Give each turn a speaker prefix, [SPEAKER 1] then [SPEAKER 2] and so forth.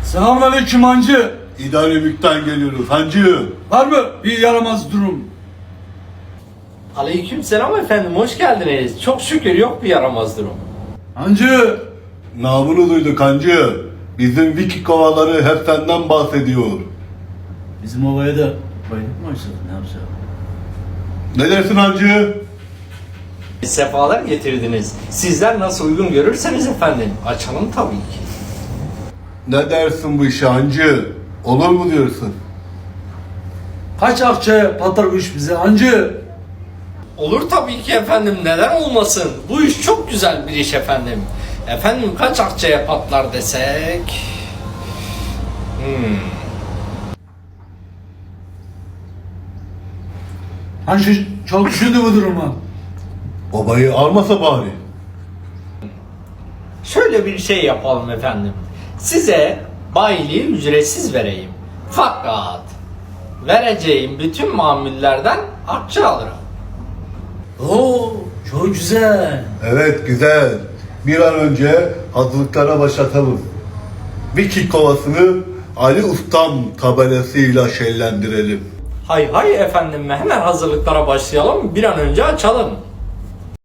[SPEAKER 1] Selamünaleyküm hancı.
[SPEAKER 2] İdaremükten geliyoruz hancı.
[SPEAKER 1] Var mı bir yaramaz durum?
[SPEAKER 3] Aleykümselam efendim, hoş geldiniz. Çok şükür yok bir yaramaz durum.
[SPEAKER 1] Hancı.
[SPEAKER 2] Namını duyduk hancı. Bizim Viki kovaları hep senden bahsediyor.
[SPEAKER 1] Bizim ovaya da bayılık mı açıldı, ne yapacağız?
[SPEAKER 2] Ne dersin hancı?
[SPEAKER 3] Sefalar getirdiniz. Sizler nasıl uygun görürseniz efendim, açalım tabii ki.
[SPEAKER 2] Ne dersin bu işe hancı? Olur mu diyorsun?
[SPEAKER 1] Kaç akçeye patlar bu iş bize hancı?
[SPEAKER 3] Olur tabii ki efendim, neden olmasın? Bu iş çok güzel bir iş efendim. Efendim kaç akçeye patlar desek?
[SPEAKER 1] Hancı çok düşündü bu durumu.
[SPEAKER 2] Babayı almasa bari.
[SPEAKER 3] Şöyle bir şey yapalım efendim. Size bayiliği ücretsiz vereyim. Fakat vereceğim bütün mamullerden akçe alırım.
[SPEAKER 1] Oo, çok güzel.
[SPEAKER 2] Evet güzel. Bir an önce hazırlıklara başlatalım. Viki kovasını Ali Ustam tabelasıyla şenlendirelim.
[SPEAKER 3] Hay hay efendim, hemen hazırlıklara başlayalım, bir an önce açalım.